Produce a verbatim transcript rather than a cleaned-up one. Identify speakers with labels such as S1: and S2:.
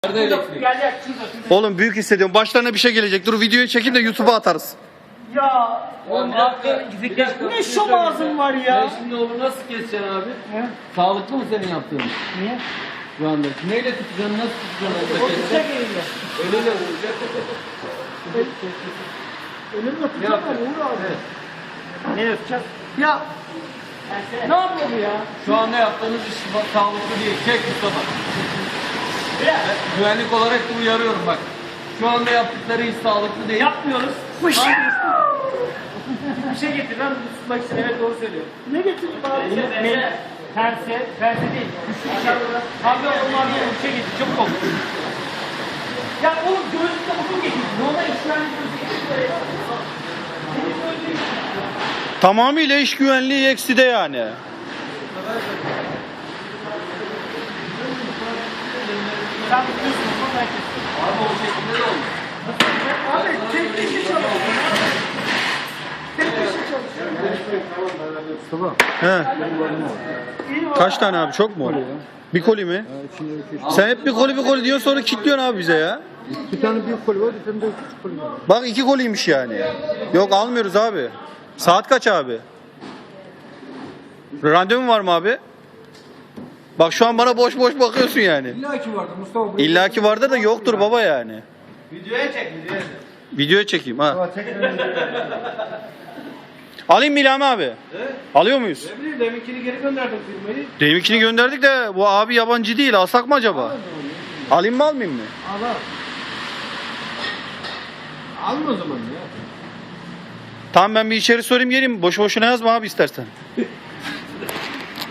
S1: Nerede elektrik?
S2: Oğlum büyük hissediyorum. Başlarına bir şey gelecek. Dur videoyu çekin de YouTube'a atarız.
S3: Ya
S1: Oğlum ne yaptın?
S3: ne şom ağzın var ya.
S1: Sen şimdi onu nasıl keseceksin abi?
S3: He?
S1: Sağlıklı mı senin yaptığın?
S3: Niye?
S1: Şu anda. Neyle tutacaksın? Nasıl tutacaksın?
S3: O
S1: Orada
S3: tutacak
S1: keseceksin.
S3: elinde.
S1: Öyle vuracak.
S3: Elimle
S1: Ne
S3: tutacak
S1: yaptın?
S3: ama Uğur abi.
S1: Evet.
S3: Ne yapacağız? Ya ne yapıyor bu ya?
S1: Şu anda yaptığınız iş bak, sağlıklı değil. Çek Mustafa.
S3: Ya
S1: Güvenlik olarak da uyarıyorum bak. Şu anda yaptıkları iş sağlıklı değil.
S3: yapmıyoruz. Bir şey getir lan tutmak için, evet doğru söylüyor. Ne getireyim abi? Ne? Terse, terse değil. Güçlü çarpılar. Abi onlar bir şey getir, çabuk ol. Ya oğlum gözlükte uzun getir. Normal işlerle gözlükte.
S2: Tamamıyla iş güvenliği ekside yani.
S3: Sen tutuyorsun, sonra herkes.
S1: Abi o şekilde de olmuş.
S3: Abi tek kişi çalışıyor. Tek kişi çalışıyor.
S2: He.
S3: İyi var.
S2: Kaç tane abi? Çok mu? Bir koli mi? Sen hep bir koli bir koli diyorsun sonra kilitliyorsun abi bize ya.
S4: Bir tane büyük koli var, bir tane de küçük koli var.
S2: Bak iki koliymiş yani. Yok almıyoruz abi. Saat kaç abi? Randevun var mı abi? Bak şu an bana boş boş bakıyorsun yani.
S4: İlla ki vardı Mustafa. buraya-
S2: İlla ki vardır da yoktur baba yani.
S1: Videoya çek, videoya çek.
S2: Videoya çekeyim ha.
S4: Aa, çekmeden de-
S2: Alayım mı İlhami abi?
S1: He?
S2: Alıyor muyuz?
S1: Ne bileyim deminkini geri gönderdim firmayı.
S2: Deminkini gönderdik de bu abi yabancı değil. Alsak mı acaba? Alayım mı almayayım mı?
S4: Al al. Alma o zaman ya.
S2: Tamam ben bir içeri sorayım geleyim. Boşu boşuna yazma abi istersen.